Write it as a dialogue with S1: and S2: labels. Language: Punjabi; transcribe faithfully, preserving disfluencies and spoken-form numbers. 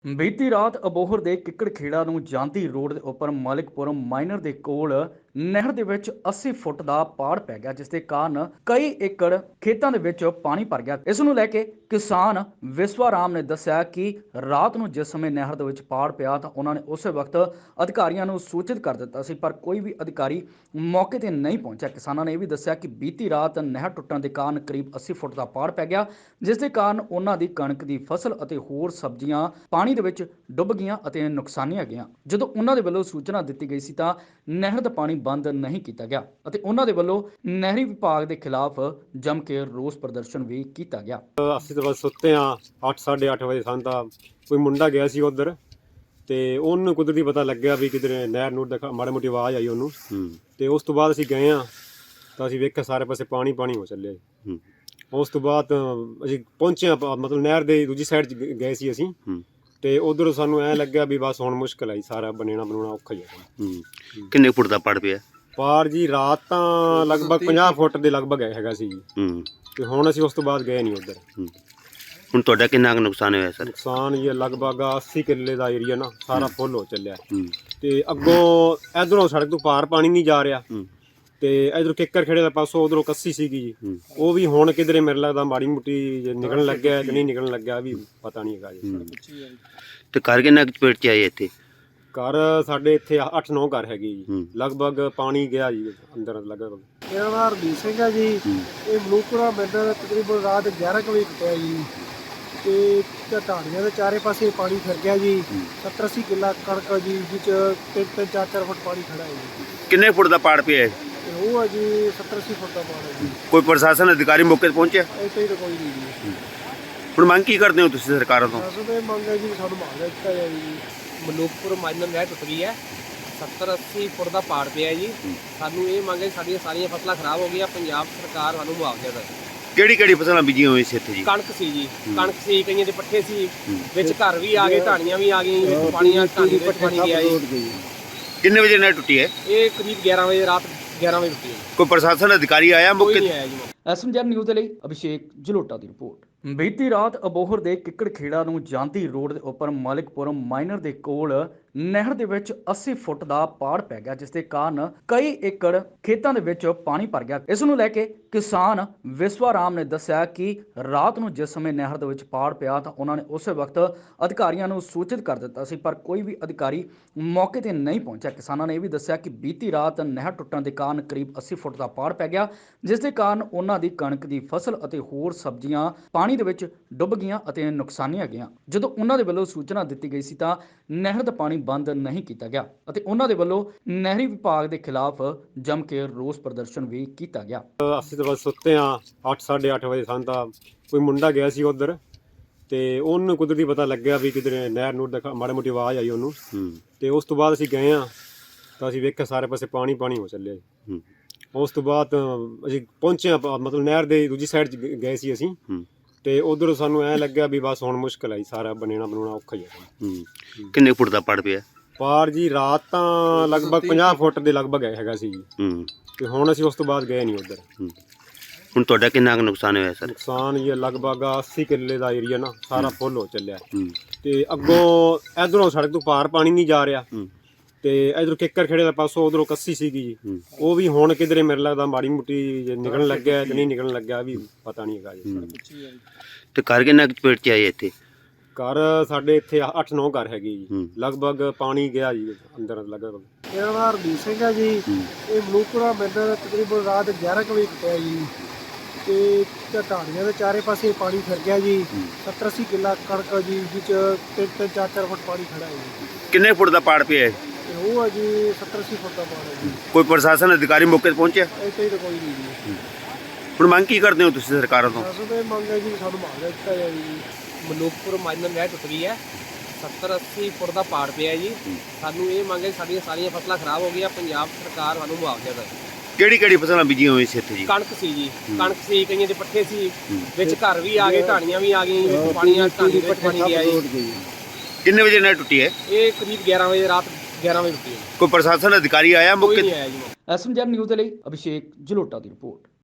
S1: ਬੀਤੀ ਰਾਤ ਅਬੋਹਰ ਦੇ ਕਿੱਕਰ ਖੇੜਾ ਨੂੰ ਜਾਂਦੀ ਰੋਡ ਦੇ ਉੱਪਰ ਮਾਲਿਕਪੁਰਮ ਮਾਈਨਰ ਦੇ ਕੋਲ ਨਹਿਰ ਦੇ ਵਿੱਚ ਅੱਸੀ ਫੁੱਟ ਦਾ ਪਾੜ ਪੈ ਗਿਆ, ਜਿਸ ਦੇ ਕਾਰਨ ਕਈ ਏਕੜ ਖੇਤਾਂ ਦੇ ਵਿੱਚ ਪਾਣੀ ਭਰ ਗਿਆ। ਇਸ ਨੂੰ ਲੈ ਕੇ ਕਿਸਾਨ ਵਿਸ਼ਵਾ ਰਾਮ ਨੇ ਦੱਸਿਆ ਕਿ ਰਾਤ ਨੂੰ ਜਿਸ ਸਮੇਂ ਨਹਿਰ ਦੇ ਵਿੱਚ ਪਾੜ ਪਿਆ ਤਾਂ ਉਹਨਾਂ ਨੇ ਉਸੇ ਵਕਤ ਅਧਿਕਾਰੀਆਂ ਨੂੰ ਸੂਚਿਤ ਕਰ ਦਿੱਤਾ ਸੀ, ਪਰ ਕੋਈ ਵੀ ਅਧਿਕਾਰੀ ਮੌਕੇ ਤੇ ਨਹੀਂ ਪਹੁੰਚਿਆ। ਕਿਸਾਨਾਂ ਨੇ ਇਹ ਵੀ ਦੱਸਿਆ ਕਿ ਬੀਤੀ ਰਾਤ ਨਹਿਰ ਟੁੱਟਣ ਦੇ ਕਾਰਨ ਕਰੀਬ ਅੱਸੀ ਫੁੱਟ ਦਾ ਪਾੜ ਪੈ ਗਿਆ, ਜਿਸ ਦੇ ਕਾਰਨ ਉਹਨਾਂ ਦੀ ਕਣਕ ਦੀ ਫਸਲ ਅਤੇ ਹੋਰ ਸਬਜ਼ੀਆਂ ਪਾਣੀ ਦੇ ਵਿੱਚ ਡੁੱਬ ਗਈਆਂ ਅਤੇ ਨੁਕਸਾਨੀਆਂ ਗਈਆਂ। ਜਦੋਂ ਉਹਨਾਂ ਦੇ ਵੱਲੋਂ ਸੂਚਨਾ ਦਿੱਤੀ ਗਈ ਸੀ ਤਾਂ ਨਹਿਰ ਦਾ ਪਾਣੀ ਬੰਦ ਨਹੀਂ ਕੀਤਾ ਗਿਆ ਅਤੇ ਉਹਨਾਂ ਦੇ ਵੱਲੋਂ ਨਹਿਰੀ ਵਿਭਾਗ ਦੇ ਖਿਲਾਫ ਜੰਮ ਕੇ ਰੋਸ ਪ੍ਰਦਰਸ਼ਨ ਵੀ ਕੀਤਾ ਗਿਆ।
S2: ਅਸੀਂ ਤਾਂ ਬਸ ਸੁੱਤੇ ਆ, ਅੱਠ ਸਾਢੇ ਅੱਠ ਵਜੇ ਸਾਨੂੰ ਤਾਂ ਕੋਈ ਮੁੰਡਾ ਗਿਆ ਸੀ ਉਧਰ ਤੇ ਉਹਨੂੰ ਕੁਦਰਤੀ ਪਤਾ ਲੱਗਿਆ ਵੀ ਕਿਧਰੇ ਨਹਿਰ ਨੂਰ ਦਾ ਮਾੜੀ ਮੋਟੀ ਆਵਾਜ਼ ਆਈ ਉਹਨੂੰ, ਤੇ ਉਸ ਤੋਂ ਬਾਅਦ ਅਸੀਂ ਗਏ ਆ ਤਾਂ ਅਸੀਂ ਵੇਖਿਆ ਸਾਰੇ ਪਾਸੇ ਪਾਣੀ ਪਾਣੀ ਹੋ ਚੱਲਿਆ। ਉਸ ਤੋਂ ਬਾਅਦ ਅਸੀਂ ਪਹੁੰਚੇ, ਮਤਲਬ ਨਹਿਰ ਦੇ ਦੂਜੀ ਸਾਈਡ 'ਚ ਗਏ ਸੀ ਅਸੀਂ, ਤੇ ਉਧਰ ਸਾਨੂੰ ਐ ਲੱਗਿਆ ਵੀ ਬਸ ਹੁਣ ਮੁਸ਼ਕਲ ਆਈ, ਸਾਰਾ ਬਣਾਉਣਾ ਬਣਾਉਣਾ ਔਖਾ ਹੀ ਹੈ।
S3: ਕਿੰਨੇ ਫੁੱਟ ਦਾ ਪੜ ਪਿਆ
S2: ਪਾਰ ਜੀ? ਰਾਤ ਤਾਂ ਲਗਭਗ ਪੰਜਾਹ ਫੁੱਟ ਦੇ ਲਗਭਗ ਹੈਗਾ ਸੀ ਜੀ, ਤੇ ਹੁਣ ਅਸੀਂ ਉਸ ਤੋਂ ਬਾਅਦ ਗਏ ਨਹੀਂ ਉਧਰ।
S3: ਹੁਣ ਤੁਹਾਡਾ ਕਿੰਨਾ ਕੁ ਨੁਕਸਾਨ ਹੋਇਆ ਸਰ?
S2: ਨੁਕਸਾਨ ਇਹ ਲਗਭਗ ਅੱਸੀ ਕਿੱਲੇ ਦਾ ਏਰੀਆ ਨਾ ਸਾਰਾ ਫੁੱਲ ਹੋ ਚੱਲਿਆ, ਤੇ ਅੱਗੋਂ ਇਧਰੋਂ ਸੜਕ ਤੋਂ ਪਾਰ ਪਾਣੀ ਨਹੀਂ ਜਾ ਰਿਹਾ, ਤੇ ਇਧਰੋਂ ਕਿੱਕਰ ਖੇੜੇ ਦਾ ਪਾਸੋਂ ਉਧਰੋਂ ਕੱਸੀ ਸੀਗੀ ਜੀ, ਉਹ ਵੀ ਹੁਣ ਕਿਧਰੇ ਮੇਰੇ ਲੱਗਦਾ ਮਾੜੀ ਮੋਟੀ ਨਿਕਲਣ ਲੱਗਿਆ ਕਿ ਨਹੀਂ ਨਿਕਲਣ ਲੱਗਿਆ ਵੀ ਪਤਾ ਨਹੀਂ ਹੈਗਾ ਜੀ।
S3: ਤੇ ਘਰ ਕਿੰਨਾ ਕੁ ਚਪੇਟ 'ਚ ਆਏ ਇੱਥੇ?
S2: ਘਰ ਸਾਡੇ ਇੱਥੇ ਅੱਠ ਨੌ ਘਰ ਹੈਗੇ ਜੀ, ਲਗਭਗ ਪਾਣੀ ਗਿਆ ਜੀ ਅੰਦਰ ਲਗਭਗ।
S4: ਮੇਰਾ ਨਾਮ ਹਰਦੀਪ ਸਿੰਘ ਹੈ ਜੀ। ਇਹ ਮਲੂਕਪੁਰਾ ਮੈਦਾਨ ਤਕਰੀਬਨ ਰਾਤ ਗਿਆਰਾਂ ਕੁ ਵਜੇ ਟੁੱਟਿਆ ਜੀ, ਤੇ ਢਾਣੀਆਂ ਦੇ ਚਾਰੇ ਪਾਸੇ ਪਾਣੀ ਫਿਰ ਗਿਆ ਜੀ। ਸੱਤਰ ਅੱਸੀ ਕਿੱਲਾ ਕਣਕ ਜੀ, ਵਿੱਚ ਤਿੰਨ ਤਿੰਨ ਚਾਰ ਚਾਰ ਫੁੱਟ ਪਾਣੀ ਖੜਾ ਹੈ ਜੀ।
S3: ਕਿੰਨੇ ਫੁੱਟ ਦਾ ਪਾੜ ਪਿਆ?
S4: ਤੇ ਉਹ ਹੈ ਜੀ ਸੱਤਰ ਅੱਸੀ ਫੁੱਟ ਦਾ ਪਾਣੀ ਹੈ ਜੀ।
S3: ਕੋਈ ਪ੍ਰਸ਼ਾਸਨ ਅਧਿਕਾਰੀ ਮੌਕੇ ਤੇ ਪਹੁੰਚਿਆ?
S4: ਇੱਥੇ ਤਾਂ ਕੋਈ ਨਹੀਂ ਜੀ।
S3: ਹੁਣ ਮੰਗ ਕੀ ਕਰਦੇ ਹੋ ਤੁਸੀਂ ਸਰਕਾਰਾਂ ਤੋਂ?
S4: ਸਾਨੂੰ ਤਾਂ ਇਹ ਮੰਗ ਹੈ ਜੀ ਸਾਨੂੰ ਮੁਆਵਜ਼ਾ ਦਿੱਤਾ ਜਾਵੇ ਜੀ।
S5: ਮਲੂਕਪੁਰ ਮਾਈਨਰ ਨਹਿਰ ਟੁੱਟ ਗਈ ਹੈ, ਸੱਤਰ ਅੱਸੀ ਫੁੱਟ ਦਾ ਪਾੜ ਪਿਆ ਜੀ। ਸਾਨੂੰ ਇਹ ਮੰਗ ਹੈ, ਸਾਡੀਆਂ ਸਾਰੀਆਂ ਫਸਲਾਂ ਖਰਾਬ ਹੋ ਗਈਆਂ, ਪੰਜਾਬ ਸਰਕਾਰ ਸਾਨੂੰ ਮੁਆਵਜ਼ਾ ਦੇ।
S3: ਕਿਹੜੀ ਕਿਹੜੀ ਫਸਲਾਂ ਬੀਜੀਆਂ ਹੋਈਆਂ ਸੀ ਇੱਥੇ ਜੀ?
S5: ਕਣਕ ਸੀ ਜੀ, ਕਣਕ ਸੀ, ਕਈਆਂ ਦੇ ਪੱਠੇ ਸੀ, ਵਿੱਚ ਘਰ ਵੀ ਆ ਗਏ, ਢਾਣੀਆਂ ਵੀ ਆ ਗਈਆਂ, ਵਿੱਚ ਪਾਣੀਆਂ ਢਾਣੀ ਵਿੱਚ ਪਾਣੀ ਗਿਆ ਜੀ।
S3: ਕਿੰਨੇ ਵਜੇ ਨਹਿਰ ਟੁੱਟੀ ਹੈ?
S5: ਇਹ ਕਰੀਬ ਗਿਆਰਾਂ ਵਜੇ, ਰਾਤ ਗਿਆਰਾਂ ਵਜੇ ਟੁੱਟੀ ਹੈ।
S3: ਕੋਈ ਪ੍ਰਸ਼ਾਸਨ ਅਧਿਕਾਰੀ ਆਇਆ
S5: ਕੋਈ
S3: ਮੌਕੇ
S5: ਨਹੀਂ
S3: ਤੇ?
S5: ਆਇਆ ਜੀ।
S1: ਐਸਐਮਜੈਡ ਨਿਊਜ਼ ਦੇ ਲਈ ਅਭਿਸ਼ੇਕ ਜਲੋਟਾ ਦੀ ਰਿਪੋਰਟ। ਬੀਤੀ ਰਾਤ ਅਬੋਹਰ ਦੇ ਕਿੱਕਰ ਖੇੜਾ ਨੂੰ ਜਾਂਦੀ ਰੋਡ ਦੇ ਉੱਪਰ ਮਾਲਿਕਪੁਰਮ ਮਾਈਨਰ ਦੇ ਕੋਲ ਨਹਿਰ ਦੇ ਵਿੱਚ ਅੱਸੀ ਫੁੱਟ ਦਾ ਪਾੜ ਪੈ ਗਿਆ, ਜਿਸ ਦੇ ਕਾਰਨ ਕਈ ਏਕੜ ਖੇਤਾਂ ਦੇ ਵਿੱਚ ਪਾਣੀ ਭਰ ਗਿਆ। ਇਸ ਨੂੰ ਲੈ ਕੇ ਕਿਸਾਨ ਵਿਸ਼ਵਾ ਰਾਮ ਨੇ ਦੱਸਿਆ ਕਿ ਰਾਤ ਨੂੰ ਜਿਸ ਸਮੇਂ ਨਹਿਰ ਦੇ ਵਿੱਚ ਪਾੜ ਪਿਆ ਤਾਂ ਉਹਨਾਂ ਨੇ ਉਸੇ ਵਕਤ ਅਧਿਕਾਰੀਆਂ ਨੂੰ ਸੂਚਿਤ ਕਰ ਦਿੱਤਾ ਸੀ, ਪਰ ਕੋਈ ਵੀ ਅਧਿਕਾਰੀ ਮੌਕੇ ਤੇ ਨਹੀਂ ਪਹੁੰਚਿਆ। ਕਿਸਾਨਾਂ ਨੇ ਇਹ ਵੀ ਦੱਸਿਆ ਕਿ ਬੀਤੀ ਰਾਤ ਨਹਿਰ ਟੁੱਟਣ ਦੇ ਕਾਰਨ ਕਰੀਬ ਅੱਸੀ ਫੁੱਟ ਦਾ ਪਾੜ ਪੈ ਗਿਆ, ਜਿਸ ਦੇ ਕਾਰਨ ਉਹਨਾਂ ਦੀ ਕਣਕ ਦੀ ਫਸਲ ਅਤੇ ਹੋਰ ਸਬਜ਼ੀਆਂ ਪਾਣੀ ਦੇ ਵਿੱਚ ਡੁੱਬ ਗਈਆਂ ਅਤੇ ਨੁਕਸਾਨੀਆਂ ਗਈਆਂ। ਜਦੋਂ ਉਹਨਾਂ ਦੇ ਵੱਲੋਂ ਸੂਚਨਾ ਦਿੱਤੀ ਗਈ ਸੀ ਤਾਂ ਨਹਿਰ ਦਾ ਪਾਣੀ ਬੰਦ ਨਹੀਂ ਕੀਤਾ ਗਿਆ ਅਤੇ ਉਹਨਾਂ ਦੇ ਵੱਲੋਂ ਨਹਿਰੀ ਵਿਭਾਗ ਦੇ ਖਿਲਾਫ ਜੰਮ ਕੇ ਰੋਸ ਪ੍ਰਦਰਸ਼ਨ ਵੀ ਕੀਤਾ ਗਿਆ।
S2: ਅਸੀਂ ਤਾਂ ਬਸ ਸੁੱਤੇ ਆ, ਅੱਠ ਸਾਢੇ ਅੱਠ ਵਜੇ ਸਾਨੂੰ ਤਾਂ ਕੋਈ ਮੁੰਡਾ ਗਿਆ ਸੀ ਉਧਰ, ਤੇ ਉਹਨੂੰ ਕੁਦਰਤੀ ਪਤਾ ਲੱਗਿਆ ਵੀ ਕਿਧਰੇ ਨਹਿਰ ਨੂਰ ਦਾ ਮਾੜੀ ਮੋਟੀ ਆਵਾਜ਼ ਆਈ ਉਹਨੂੰ, ਤੇ ਉਸ ਤੋਂ ਬਾਅਦ ਅਸੀਂ ਗਏ ਆ ਤਾਂ ਅਸੀਂ ਵੇਖਿਆ ਸਾਰੇ ਪਾਸੇ ਪਾਣੀ ਪਾਣੀ ਹੋ ਚੱਲਿਆ। ਉਸ ਤੋਂ ਬਾਅਦ ਅਸੀਂ ਪਹੁੰਚੇ, ਮਤਲਬ ਨਹਿਰ ਦੇ ਦੂਜੀ ਸਾਈਡ 'ਚ ਗਏ ਸੀ ਅਸੀਂ, ਤੇ ਉਧਰ ਸਾਨੂੰ ਐ ਲੱਗਿਆ ਵੀ ਬਸ ਹੁਣ ਮੁਸ਼ਕਲ ਆਈ, ਸਾਰਾ ਬਣਾਉਣਾ ਬਣਾਉਣਾ ਔਖਾ ਹੀ ਹੈ।
S3: ਕਿੰਨੇ ਫੁੱਟ ਦਾ ਪੜ ਪਿਆ?
S2: ਪਾਰ ਜੀ? ਰਾਤ ਤਾਂ ਲਗਭਗ ਪੰਜਾਹ ਫੁੱਟ ਦੇ ਲਗਭਗ ਹੈਗਾ ਸੀ ਜੀ, ਤੇ ਹੁਣ ਅਸੀਂ ਉਸ ਤੋਂ ਬਾਅਦ ਗਏ ਨਹੀਂ ਉਧਰ।
S3: ਹੁਣ ਤੁਹਾਡਾ ਕਿੰਨਾ ਕੁ ਨੁਕਸਾਨ ਹੋਇਆ ਸਰ?
S2: ਨੁਕਸਾਨ ਇਹ ਲਗਭਗ ਅੱਸੀ ਕਿੱਲੇ ਦਾ ਏਰੀਆ ਨਾ ਸਾਰਾ ਫੁੱਲ ਹੋ ਚੱਲਿਆ, ਤੇ ਅੱਗੋਂ ਇਧਰੋਂ ਸੜਕ ਤੋਂ ਪਾਰ ਪਾਣੀ ਨਹੀਂ ਜਾ ਰਿਹਾ, ਤੇ ਇਧਰੋਂ ਕਿੱਕਰ ਖੇੜੇ ਦਾ ਪਾਸੋਂ ਉਧਰੋਂ ਕੱਸੀ ਸੀਗੀ ਜੀ, ਉਹ ਵੀ ਹੁਣ ਕਿਧਰੇ ਮੇਰੇ ਲੱਗਦਾ ਮਾੜੀ ਮੋਟੀ ਨਿਕਲਣ ਲੱਗਿਆ ਕਿ ਨਹੀਂ ਨਿਕਲਣ ਲੱਗਿਆ ਵੀ ਪਤਾ ਨਹੀਂ ਹੈਗਾ ਜੀ।
S3: ਤੇ ਘਰ ਕਿੰਨਾ ਕੁ ਚਪੇਟ 'ਚ ਆਏ ਇੱਥੇ?
S2: ਘਰ ਸਾਡੇ ਇੱਥੇ ਅੱਠ ਨੌ ਘਰ ਹੈਗੇ ਜੀ, ਲਗਭਗ ਪਾਣੀ ਗਿਆ ਜੀ ਅੰਦਰ ਲਗਭਗ।
S4: ਮੇਰਾ ਨਾਮ ਹਰਦੀਪ ਸਿੰਘ ਹੈ ਜੀ। ਇਹ ਮਲੂਕਪੁਰਾ ਮੈਦਾਨ ਤਕਰੀਬਨ ਰਾਤ ਗਿਆਰਾਂ ਕੁ ਵਜੇ ਟੁੱਟਿਆ ਜੀ, ਤੇ ਢਾਣੀਆਂ ਦੇ ਚਾਰੇ ਪਾਸੇ ਪਾਣੀ ਫਿਰ ਗਿਆ ਜੀ। ਸੱਤਰ ਅੱਸੀ ਕਿੱਲਾ ਕਣਕ ਜੀ, ਵਿੱਚ ਤਿੰਨ ਤਿੰਨ ਚਾਰ ਚਾਰ ਫੁੱਟ ਪਾਣੀ ਖੜਾ ਹੈ ਜੀ।
S3: ਕਿੰਨੇ ਫੁੱਟ ਦਾ ਪਾੜ ਪਿਆ?
S4: ਤੇ ਉਹ ਹੈ ਜੀ ਸੱਤਰ ਅੱਸੀ ਫੁੱਟ ਦਾ ਪਾਣੀ ਹੈ ਜੀ।
S3: ਕੋਈ ਪ੍ਰਸ਼ਾਸਨ ਅਧਿਕਾਰੀ ਮੌਕੇ ਤੇ ਪਹੁੰਚਿਆ?
S4: ਇੱਥੇ ਤਾਂ ਕੋਈ ਨਹੀਂ ਜੀ।
S3: ਹੁਣ ਮੰਗ ਕੀ ਕਰਦੇ ਹੋ ਤੁਸੀਂ ਸਰਕਾਰਾਂ ਤੋਂ?
S4: ਸਾਨੂੰ ਤਾਂ ਇਹ ਮੰਗ ਹੈ ਜੀ ਸਾਨੂੰ ਮੁਆਵਜ਼ਾ ਦਿੱਤਾ ਜਾਵੇ ਜੀ।
S5: ਮਲੂਕਪੁਰ ਮਾਈਨਰ ਨਹਿਰ ਟੁੱਟ ਗਈ ਹੈ, ਸੱਤਰ ਅੱਸੀ ਫੁੱਟ ਦਾ ਪਾੜ ਪਿਆ ਜੀ। ਸਾਨੂੰ ਇਹ ਮੰਗ ਹੈ, ਸਾਡੀਆਂ ਸਾਰੀਆਂ ਫਸਲਾਂ ਖਰਾਬ ਹੋ ਗਈਆਂ, ਪੰਜਾਬ ਸਰਕਾਰ ਸਾਨੂੰ ਮੁਆਵਜ਼ਾ ਦੇ।
S3: ਕਿਹੜੀ ਕਿਹੜੀ ਫਸਲਾਂ ਬੀਜੀਆਂ ਹੋਈਆਂ ਸੀ ਇੱਥੇ ਜੀ?
S5: ਕਣਕ ਸੀ ਜੀ, ਕਣਕ ਸੀ, ਕਈਆਂ ਦੇ ਪੱਠੇ ਸੀ, ਵਿੱਚ ਘਰ ਵੀ ਆ ਗਏ, ਢਾਣੀਆਂ ਵੀ ਆ ਗਈਆਂ, ਵਿੱਚ ਪਾਣੀਆਂ ਢਾਣੀ ਵਿੱਚ ਪਾਣੀ ਗਿਆ ਜੀ।
S3: ਕਿੰਨੇ ਵਜੇ ਨਹਿਰ ਟੁੱਟੀ ਹੈ?
S5: ਇਹ ਕਰੀਬ ਗਿਆਰਾਂ ਵਜੇ, ਰਾਤ ਗਿਆਰਾਂ ਵਜੇ ਟੁੱਟੀ ਹੈ।
S3: ਕੋਈ ਪ੍ਰਸ਼ਾਸਨ ਅਧਿਕਾਰੀ ਆਇਆ
S5: ਕੋਈ
S3: ਮੌਕੇ
S5: ਨਹੀਂ
S3: ਤੇ?
S5: ਆਇਆ ਜੀ।
S1: ਐਸਐਮਜੈਡ ਨਿਊਜ਼ ਦੇ ਲਈ ਅਭਿਸ਼ੇਕ ਜਲੋਟਾ ਦੀ ਰਿਪੋਰਟ।